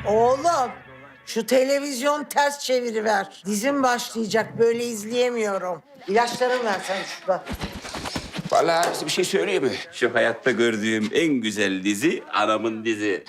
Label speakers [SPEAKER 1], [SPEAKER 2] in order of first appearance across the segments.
[SPEAKER 1] Oğlum, şu televizyon ters çeviriver. Dizim başlayacak, böyle izleyemiyorum. İlaçlarımı versen şurada.
[SPEAKER 2] Vallahi size bir şey söyleyeyim mi? Şu hayatta gördüğüm en güzel dizi anamın dizi.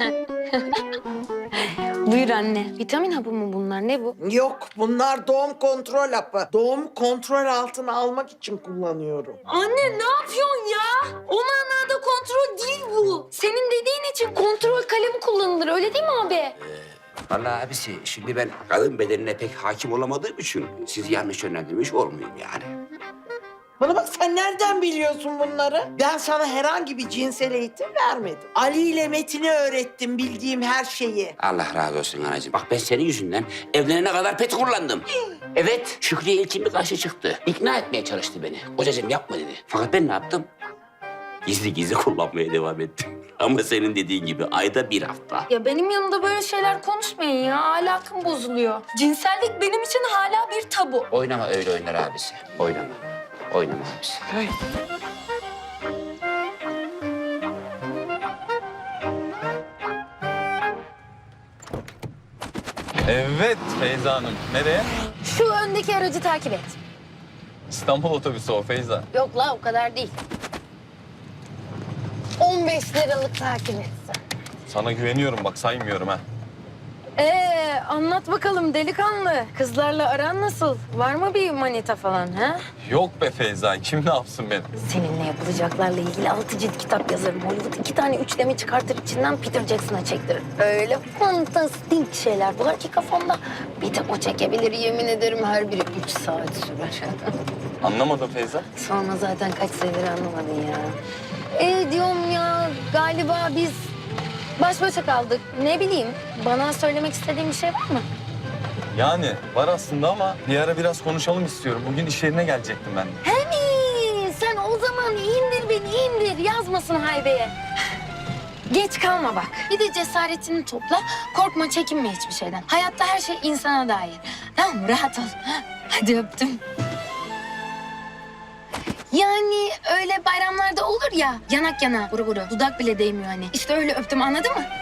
[SPEAKER 3] Buyur anne. Vitamin hapı mı bunlar? Ne bu?
[SPEAKER 1] Yok, bunlar doğum kontrol hapı. Doğumu kontrol altına almak için kullanıyorum.
[SPEAKER 3] Anne ne yapıyorsun ya? O manada kontrol değil bu. Senin dediğin için kontrol kalemi kullanılır. Öyle değil mi abi?
[SPEAKER 2] Vallahi abisi şimdi ben kadın bedenine pek hakim olamadığım için sizi yanlış yönlendirmiş olmayayım yani.
[SPEAKER 1] Bana bak, sen nereden biliyorsun bunları? Ben sana herhangi bir cinsel eğitim vermedim. Ali ile Metin'e öğrettim bildiğim her şeyi.
[SPEAKER 2] Allah razı olsun anacığım. Bak ben senin yüzünden evlenene kadar pet kullandım. Evet, Şükriye ilkin bir karşı çıktı. İkna etmeye çalıştı beni. Kocacığım yapma dedi. Fakat ben ne yaptım? Gizli gizli kullanmaya devam ettim. Ama senin dediğin gibi ayda bir hafta.
[SPEAKER 3] Ya benim yanımda böyle şeyler konuşmayın ya. Ahlakım bozuluyor. Cinsellik benim için hala bir tabu.
[SPEAKER 2] Oynama öyle oynar abisi. Oynama. Oynama abisi.
[SPEAKER 4] Evet Feyza Hanım. Nereye?
[SPEAKER 3] Şu öndeki aracı takip et.
[SPEAKER 4] İstanbul otobüsü o Feyza.
[SPEAKER 3] Yok la o kadar değil. 15 liralık takip etsin.
[SPEAKER 4] Sana güveniyorum bak saymıyorum ha.
[SPEAKER 3] Anlat bakalım delikanlı. Kızlarla aran nasıl? Var mı bir manita falan ha?
[SPEAKER 4] Yok be Feyza kim ne yapsın beni?
[SPEAKER 3] Seninle yapılacaklarla ilgili 6 cilt kitap yazarım. Hollywood 2 tane üçleme çıkartır içinden Peter Jackson'a çektirir. Öyle fantastik şeyler var ki kafamda. Bir de o çekebilir yemin ederim her biri 3 saat sürer.
[SPEAKER 4] Anlamadım Feyza.
[SPEAKER 3] Sonra zaten kaç senedir anlamadın ya. Diyorum ya galiba biz baş başa kaldık. Ne bileyim bana söylemek istediğin bir şey var mı?
[SPEAKER 4] Yani var aslında ama bir ara biraz konuşalım istiyorum. Bugün iş yerine gelecektim ben.
[SPEAKER 3] Hani sen o zaman indir beni indir yazmasın haybeye. Geç kalma bak. Bir de cesaretini topla. Korkma çekinme hiçbir şeyden. Hayatta her şey insana dair. Tamam mı? Rahat ol. Hadi öptüm. Yani öyle bayramlarda olur ya yanak yana guru guru. Dudak bile değmiyor hani. İşte öyle öptüm anladın mı?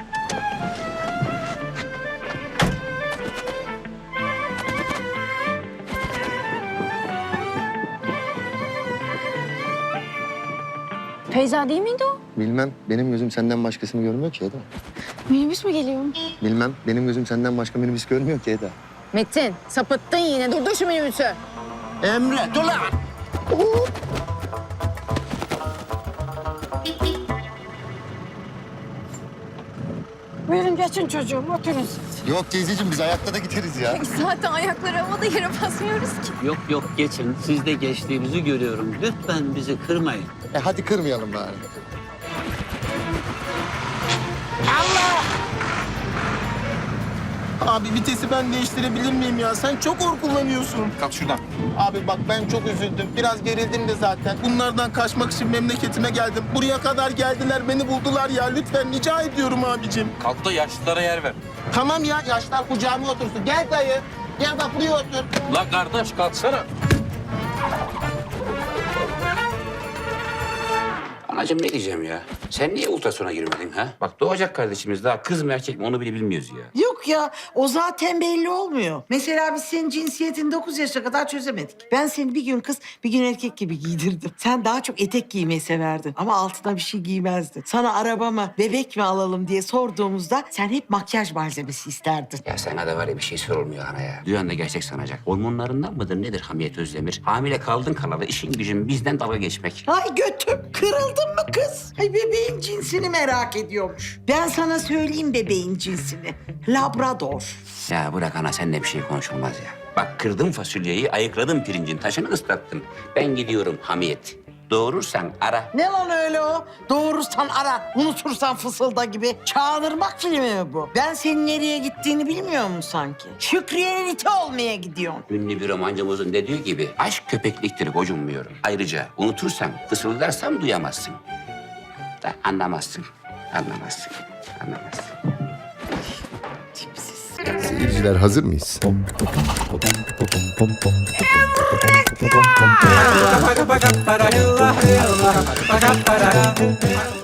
[SPEAKER 3] Feyza değil miydi o?
[SPEAKER 5] Bilmem. Benim gözüm senden başkasını görmüyor ki Eda.
[SPEAKER 3] Minibüs mü geliyor?
[SPEAKER 5] Bilmem. Benim gözüm senden başka minibüs görmüyor ki Eda.
[SPEAKER 6] Metin, sapıttın yine. Durdur şu minibüsü.
[SPEAKER 1] Emre, dur lan!
[SPEAKER 6] Buyurun geçin çocuğum, oturun siz.
[SPEAKER 5] Yok teyzeciğim biz ayakta da gideriz ya.
[SPEAKER 6] Zaten ayakları havada yere basmıyoruz ki.
[SPEAKER 7] Yok yok geçin. Siz de geçtiğimizi görüyorum. Lütfen bizi kırmayın.
[SPEAKER 5] Hadi kırmayalım bari.
[SPEAKER 8] Abi vitesi ben değiştirebilir miyim ya? Sen çok hor kullanıyorsun.
[SPEAKER 4] Kalk şuradan.
[SPEAKER 8] Abi bak ben çok üzüldüm. Biraz gerildim de zaten. Bunlardan kaçmak için memleketime geldim. Buraya kadar geldiler, beni buldular ya. Lütfen rica ediyorum abicim.
[SPEAKER 4] Kalk da yaşlılara yer ver.
[SPEAKER 8] Tamam ya, yaşlar kucağıma otursun. Gel dayı. Gel bak buraya otur.
[SPEAKER 4] La kardeş kalksana.
[SPEAKER 2] Anacığım ne diyeceğim ya? Sen niye ultrasona girmedin ha? Bak doğacak kardeşimiz daha kız mı erkek mi onu bile bilmiyoruz ya.
[SPEAKER 1] Yok ya, o zaten belli olmuyor. Mesela biz senin cinsiyetini 9 yaşa kadar çözemedik. Ben seni bir gün kız, bir gün erkek gibi giydirdim. Sen daha çok etek giymeyi severdin ama altına bir şey giymezdin. Sana araba mı, bebek mi alalım diye sorduğumuzda sen hep makyaj malzemesi isterdin.
[SPEAKER 2] Ya sana da var ya bir şey sorulmuyor ana ya. Duyan da gerçek sanacak. Hormonlarından mıdır nedir Hamiyet Özdemir? Hamile kaldın kalalı işin gücün bizden dalga geçmek.
[SPEAKER 1] Ay götüm, kırıldın mı kız? Ay bebeğin cinsini merak ediyormuş. Ben sana söyleyeyim bebeğin cinsini. Labrador.
[SPEAKER 2] Ya bırak ana seninle bir şey konuşulmaz ya. Bak kırdım fasulyeyi, ayıkladım pirincin taşını ıslattım. Ben gidiyorum Hamiyet. Doğurursan ara.
[SPEAKER 1] Ne lan öyle o? Doğurursan ara, unutursan fısılda gibi. Çağınırmak filmi mi bu? Ben senin nereye gittiğini bilmiyor musun sanki? Şükriye'nin iti olmaya gidiyorsun.
[SPEAKER 2] Ünlü bir romancımızın dediği gibi aşk köpekliktir gocunmuyorum. Ayrıca unutursan, fısıldarsam duyamazsın. Da anlamazsın. Anlamazsın. Anlamazsın.
[SPEAKER 5] Seyirciler hazır mıyız?
[SPEAKER 9] Eureka!